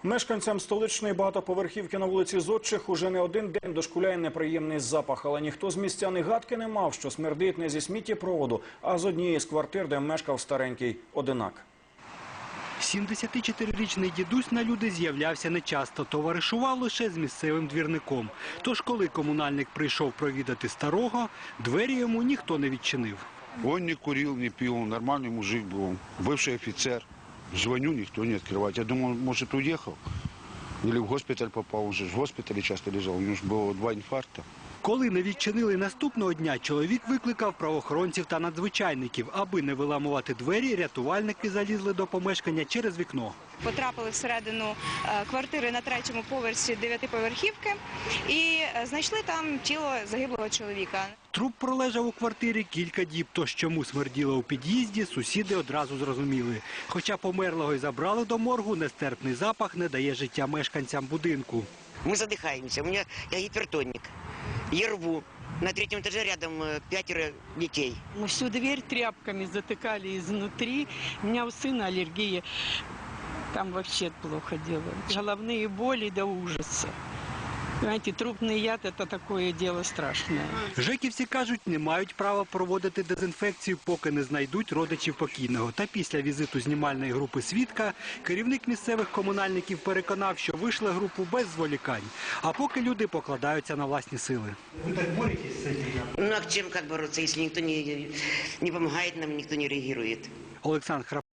Мешканцям столичної багатоповерхівки на вулиці Зодчих уже не один день дошкуляє неприємний запах, але ніхто з містян і гадки не мав, що смердить не зі сміттєпроводу, а з однієї з квартир, де мешкав старенький одинак. 74-річний дідусь на люди з'являвся нечасто, товаришував лише з місцевим двірником. Тож, коли комунальник прийшов провідати старого, двері йому ніхто не відчинив. Он не курил, не пил, нормальный мужик был, бывший офицер. Звоню, никто не открывает. Я думал, может, уехал. Или в госпиталь попал, он же в госпитале часто лежал, у него же было 2 инфаркта. Коли не відчинили наступного дня, чоловік викликав правоохоронців та надзвичайників. Аби не виламувати двері, рятувальники залізли до помешкання через вікно. Потрапили всередину квартири на 3-му поверсі 9-поверхівки і знайшли там тіло загиблого чоловіка. Труп пролежав у квартирі кілька діб, тож чому смерділо у під'їзді, сусіди одразу зрозуміли. Хоча померлого й забрали до моргу, нестерпний запах не дає життя мешканцям будинку. Мы задыхаемся, я гипертоник, я рву. На 3-м этаже рядом 5 детей. Мы всю дверь тряпками затыкали изнутри. У меня у сына аллергия. Там вообще плохо дело. Головные боли до ужаса. Знаете, трупный яд – это такое дело страшное. Жеківці кажуть, не мають права проводити дезінфекцію, поки не знайдуть родичів покійного. Та після візиту знімальної групи «Свідка» керівник місцевих комунальників переконав, що вийшли групу без зволікань. А поки люди покладаються на власні сили. Ви так боретесь з цим? Ну а чим як боротися, якщо ніхто не допомагає нам, ніхто не реагує? Олександр